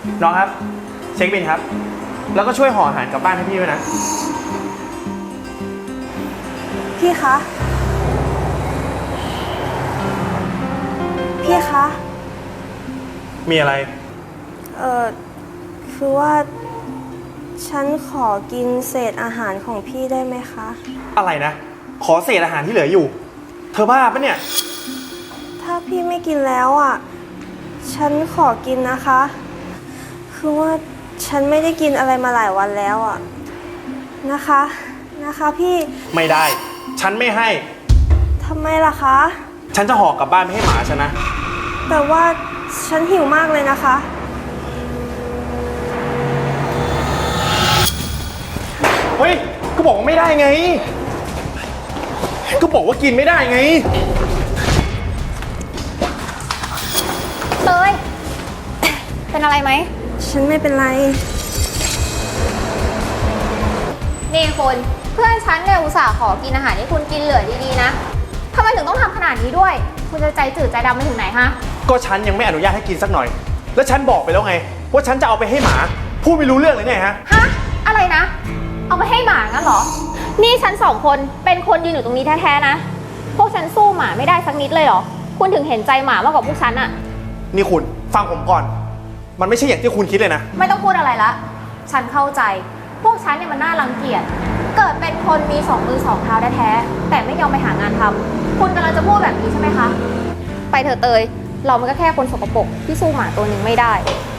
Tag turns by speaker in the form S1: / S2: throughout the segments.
S1: น้องครับเช็คบิลครับแล้วก็ช่วยห่ออาหารกลับบ้านให้พี่ด้วยนะ
S2: พี่คะพี่คะ
S1: มีอะไร
S2: คือว่าฉันขอกินเศษอาหารของพี่ได้ไหมคะ
S1: อะไรนะขอเศษอาหารที่เหลืออยู่เธอบ้าปะเนี่ย
S2: ถ้าพี่ไม่กินแล้วอ่ะฉันขอกินนะคะคือว่าฉันไม่ได้กินอะไรมาหลายวันแล้วอ่ะนะคะพี่
S1: ไม่ได้ฉันไม่ให้
S2: ทำไมล่ะคะ
S1: ฉันจะห่อกลับบ้านไม่ให้หมาฉันนะ
S2: แต่ว่าฉันหิวมากเลยนะคะ
S1: เฮ้ยก็บอกว่าไม่ได้ไงก็บอกว่ากินไม่ได้ไง
S3: เตยเป็นอะไรไหม
S2: ฉันไม่เป็นไร
S3: นี่คุณเพื่อนฉันเนี่ยอุตส่าห์ขอกินอาหารให้คุณกินเหลือดีๆนะทำไมถึงต้องทำขนาดนี้ด้วยคุณจะใจจืดใจดำไปถึงไหนฮะ
S1: ก็ฉันยังไม่อนุญาตให้กินสักหน่อยแล้วฉันบอกไปแล้วไงว่าฉันจะเอาไปให้หมาพูดไม่รู้เรื่องเลยเนี่ยฮะ
S3: อะไรนะเอาไปให้หมางั้นเหรอนี่ฉัน2 คนเป็นคนยืนอยู่ตรงนี้แท้ๆนะพวกฉันสู้หมาไม่ได้สักนิดเลยเหรอคุณถึงเห็นใจหมามากกว่าพวกฉันอะ
S1: นี่คุณฟังผมก่อนมันไม่ใช่อย่างที่คุณคิดเลยนะ
S3: ไม่ต้องพูดอะไรละฉันเข้าใจพวกฉันเนี่ยมันน่ารังเกียจเกิดเป็นคนมี2 มือ 2 เท้าแท้ๆแต่ไม่ยอมไปหางานทำคุณกำลังจะพูดแบบนี้ใช่ไหมคะไปเถอะเตยเรามันก็แค่คนสกปรกที่สู้หมาตัวหนึ่งไม่ได้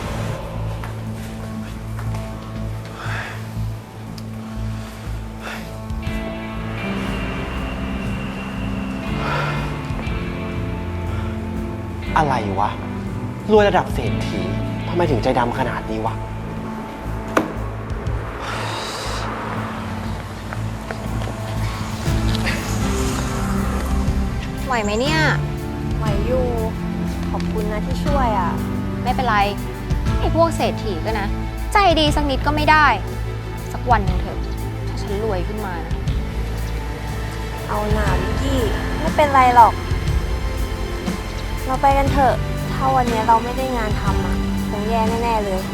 S4: อะไรวะรวยระดับเศรษฐีทำไมถึงใจดำขนาดนี้วะ
S3: ไหวไหมเนี่ย
S2: ไหวอยู่ขอบคุณนะที่ช่วยอ่ะ
S3: ไม่เป็นไรไอ้พวกเศรษฐีก็นะใจดีสักนิดก็ไม่ได้สักวันหนึ่งเถอะถ้าฉันรวยขึ้นมานะ
S2: เอาหนาวิกกี้ไม่เป็นไรหรอกเราไปกันเถอะถ้าวันนี้เราไม่ได้งานทำอ่ะคงแย่แน่ๆเลย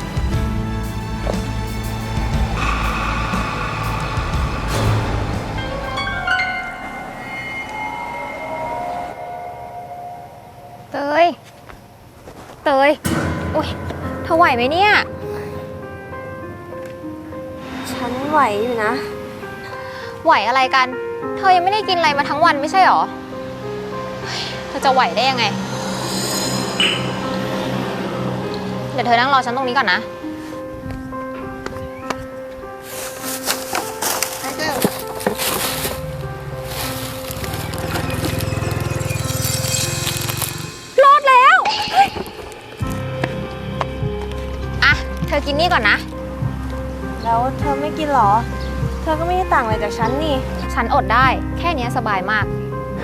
S3: เตยอุ๊ยเธอไหวไหมเนี่ย
S2: ฉันไหวอยู่นะ
S3: ไหวอะไรกันเธอยังไม่ได้กินอะไรมาทั้งวันไม่ใช่หรอเธอจะไหวได้ยังไงเดี๋ยวเธอนั่งรอฉันตรงนี้ก่อนนะรอดแล้วอ่ะเธอกินนี่ก่อนนะ
S2: แล้วเธอไม่กินหรอเธอก็ไม่ได้ต่างอะไรจากฉันนี่
S3: ฉันอดได้แค่นี้สบายมาก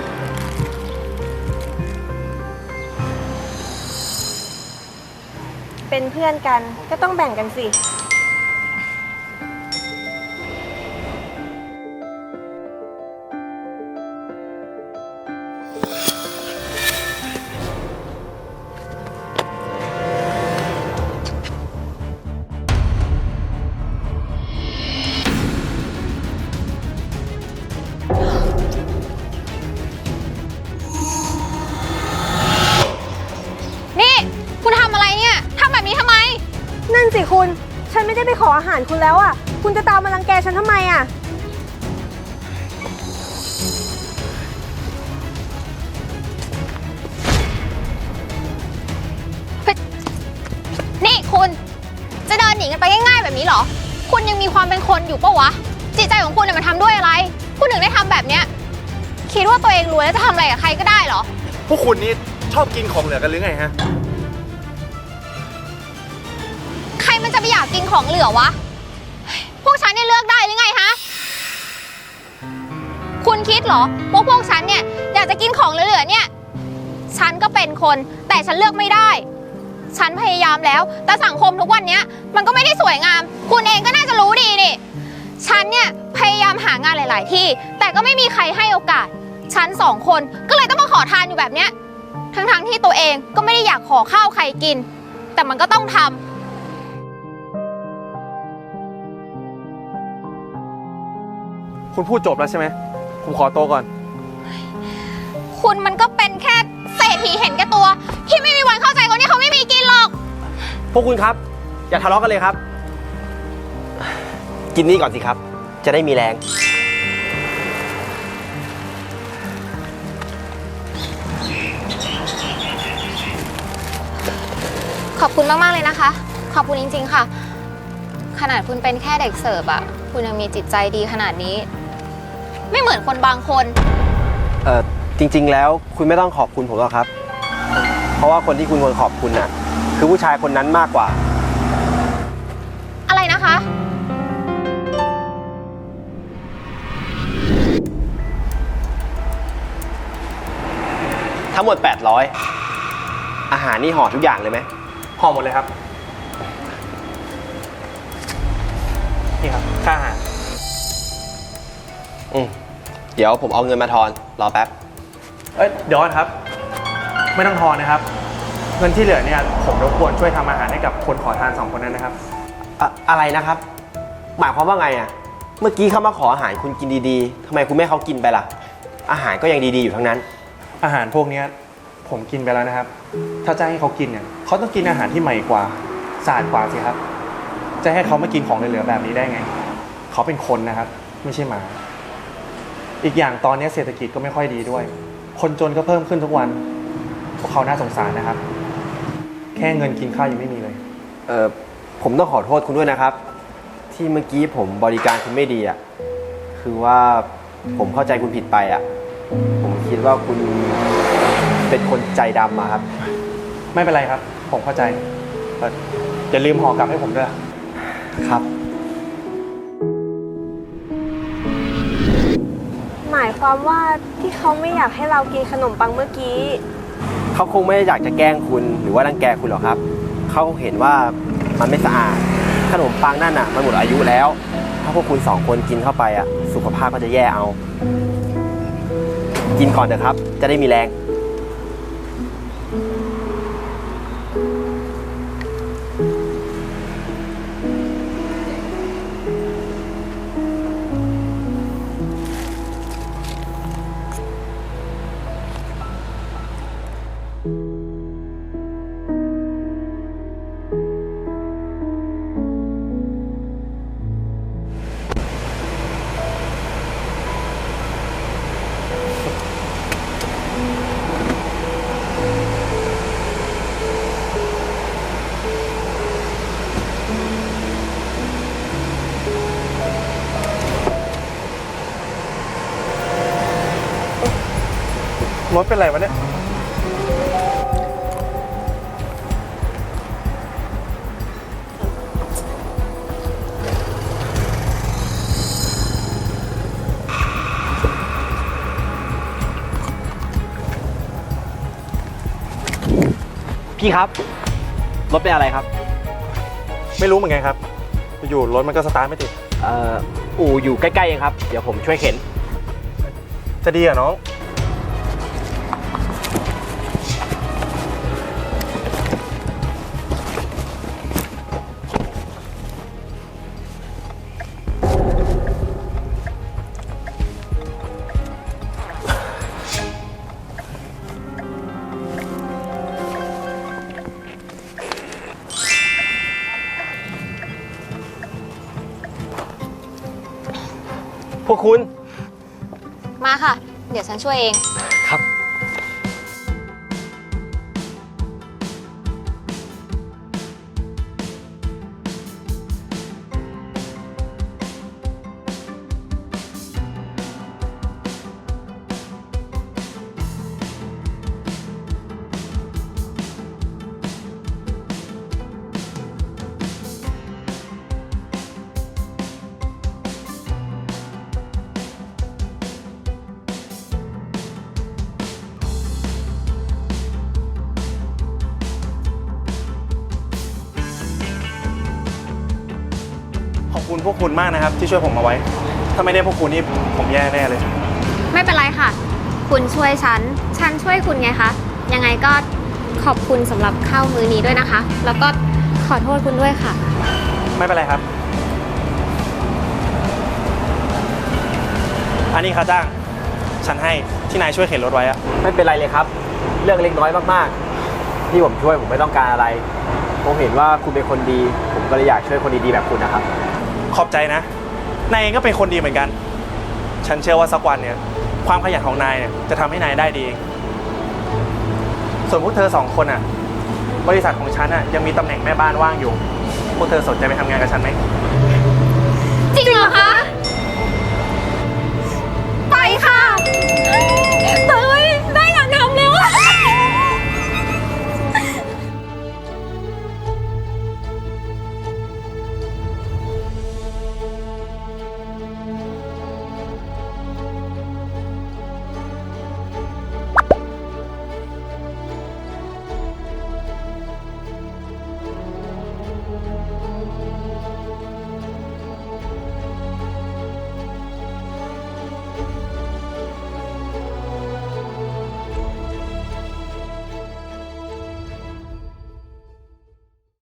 S2: เป็นเพื่อนกันก็ต้องแบ่งกันสิ
S3: นี่คุณทำอะไรเนี่ยทำแบบนี้ทำไม
S2: นั่นสิคุณฉันไม่ได้ไปขออาหารคุณแล้วอ่ะคุณจะตามมารังแกฉันทำไมอ่ะ
S3: นี่คุณจะเดินหนีกันไปง่ายๆแบบนี้เหรอคุณยังมีความเป็นคนอยู่ปะวะจิตใจของคุณเนี่ยมันทำด้วยอะไรคุณถึงได้ทำแบบเนี้ยคิดว่าตัวเองรวยแล้วจะทำอะไรกับใครก็ได้เหรอ
S1: พวกคุณนี่ชอบกินของเหลือกันหรือไงฮะ
S3: ใครมันจะไปอยากกินของเหลือวะพวกฉันเนี่ยเลือกได้หรือไงฮะคุณคิดเหรอว่าพวกฉันเนี่ยอยากจะกินของเหลือๆเนี่ยฉันก็เป็นคนแต่ฉันเลือกไม่ได้ฉันพยายามแล้วแต่สังคมทุกวันนี้มันก็ไม่ได้สวยงามคุณเองก็น่าจะรู้ดีนี่ฉันเนี่ยพยายามหางานหลายๆที่แต่ก็ไม่มีใครให้โอกาสฉัน2 คนก็เลยต้องมาขอทานอยู่แบบเนี้ยทั้งๆที่ตัวเองก็ไม่ได้อยากขอข้าวใครกินแต่มันก็ต้องท
S1: คุณพูดจบแล้วใช่ไหม ผมขอโต๊ะก่อน
S3: คุณมันก็เป็นแค่เศรษฐีเห็นแก่ตัว ที่ไม่มีวันเข้าใจคนที่เขาไม่มีกินหรอก
S4: พวกคุณครับ อย่าทะเลาะกันเลยครับ กินนี่ก่อนสิครับ จะได้มีแรง
S3: ขอบคุณมากๆเลยนะคะ ขอบคุณจริงๆค่ะ ขนาดคุณเป็นแค่เด็กเสิร์ฟอะคุณยังมีจิตใจดีขนาดนี้ ไม่เหมือนคนบางคน
S4: จริงๆ แล้วคุณไม่ต้องขอบคุณผมหรอกครับ เพราะว่าคนที่คุณควรขอบคุณน่ะ คือผู้ชายคนนั้นมากกว่า
S3: อะไรนะคะ
S4: ทั้งหมด 800 อาหารนี่ห่อทุกอย่างเลยไหม
S1: ห่อหมดเลยครับ นี่ครับ ค่าอาหาร
S4: เดี๋ยวผมเอาเงินมาทอน รอแป๊บ
S1: เดี๋ยวก่อนครับ ไม่ต้องทอนนะครับ เงินที่เหลือเนี่ยผมรบกวนช่วยทำอาหารให้กับคนขอทาน2 คนนั้นนะครับ
S4: อะไรนะครับ หมายความว่าไงอ่ะ เมื่อกี้เขามาขออาหารคุณกินดีๆทำไมคุณไม่ให้เขากินไปล่ะ อาหารก็ยังดีๆอยู่ทั้งนั้น
S1: อาหารพวกเนี้ยผมกินไปแล้วนะครับ ถ้าจะให้เขากินเนี่ยเขาต้องกินอาหารที่ใหม่กว่าสะอาดกว่าสิครับ จะให้เขามากินของเหลือๆแบบนี้ได้ไง เขาเป็นคนนะครับ ไม่ใช่หมา อีกอย่างตอนนี้เศรษฐกิจก็ไม่ค่อยดีด้วย คนจนก็เพิ่มขึ้นทุกวัน พวกเขาน่าสงสารนะครับ แค่เงินกินข้าวยังไม่มีเลย
S4: ผมต้องขอโทษคุณด้วยนะครับ ที่เมื่อกี้ผมบริการคุณไม่ดีอ่ะ คือว่าผมเข้าใจคุณผิดไปอ่ะ ผมคิดว่าคุณเป็นคนใจดำอะครับ
S1: ไม่เป็นไรครับ ผมเข้าใจอย่าลืมห่อกลับให้ผมด้วย
S4: ครับ
S2: หมายความว่าที่เขาไม่อยากให้เรากินขนมปังเมื่อกี้
S4: เขาคงไม่ได้อยากจะแกล้งคุณหรือว่ารังแกคุณหรอกครับ เขาเห็นว่ามันไม่สะอาด ขนมปังนั่นน่ะมันหมดอายุแล้ว ถ้าพวกคุณ2 คนกินเข้าไปอ่ะ สุขภาพก็จะแย่เอา กินก่อนเถอะครับ จะได้มีแรง
S1: รถเป็นไรวะเนี่ย
S4: พี่ครับ รถเป็นอะไรครับ
S1: ไม่รู้เหมือนกันครับ อยู่รถมันก็สตาร์ทไม่ติด
S4: อู่อยู่ใกล้ๆเองครับ เดี๋ยวผมช่วยเข็น
S1: จะดีเหรอน้อง
S4: พวกคุณ
S3: มาค่ะ เดี๋ยวฉันช่วยเอง
S4: ครับ
S1: ขอบคุณพวกคุณมากนะครับ ที่ช่วยผมมาไว้ ถ้าไม่ได้พวกคุณนี่ผมแย่แน่เลย
S3: ไม่เป็นไรค่ะ คุณช่วยฉัน ฉันช่วยคุณไงคะ ยังไงก็ขอบคุณสำหรับข้าวมื้อนี้ด้วยนะคะ แล้วก็ขอโทษคุณด้วยค่ะ
S1: ไม่เป็นไรครับอันนี้ค่าจ้าง ฉันให้ที่นายช่วยเข็นรถไว้อะ
S4: ไม่เป็นไรเลยครับ เรื่องเล็กน้อยมากๆ ที่ผมช่วยผมไม่ต้องการอะไร ผมเห็นว่าคุณเป็นคนดี ผมก็เลยอยากช่วยคนดีๆแบบคุณนะครับ
S1: ขอบใจนะ นายเองก็เป็นคนดีเหมือนกัน ฉันเชื่อว่าสักวันเนี่ย ความขยันของนายเนี่ยจะทำให้นายได้ดีเอง ส่วนพวกเธอสองคนอ่ะ บริษัทของฉันอ่ะยังมีตำแหน่งแม่บ้านว่างอยู่ พวกเธอสนใจไปทำงานกับฉันไหม
S4: ไ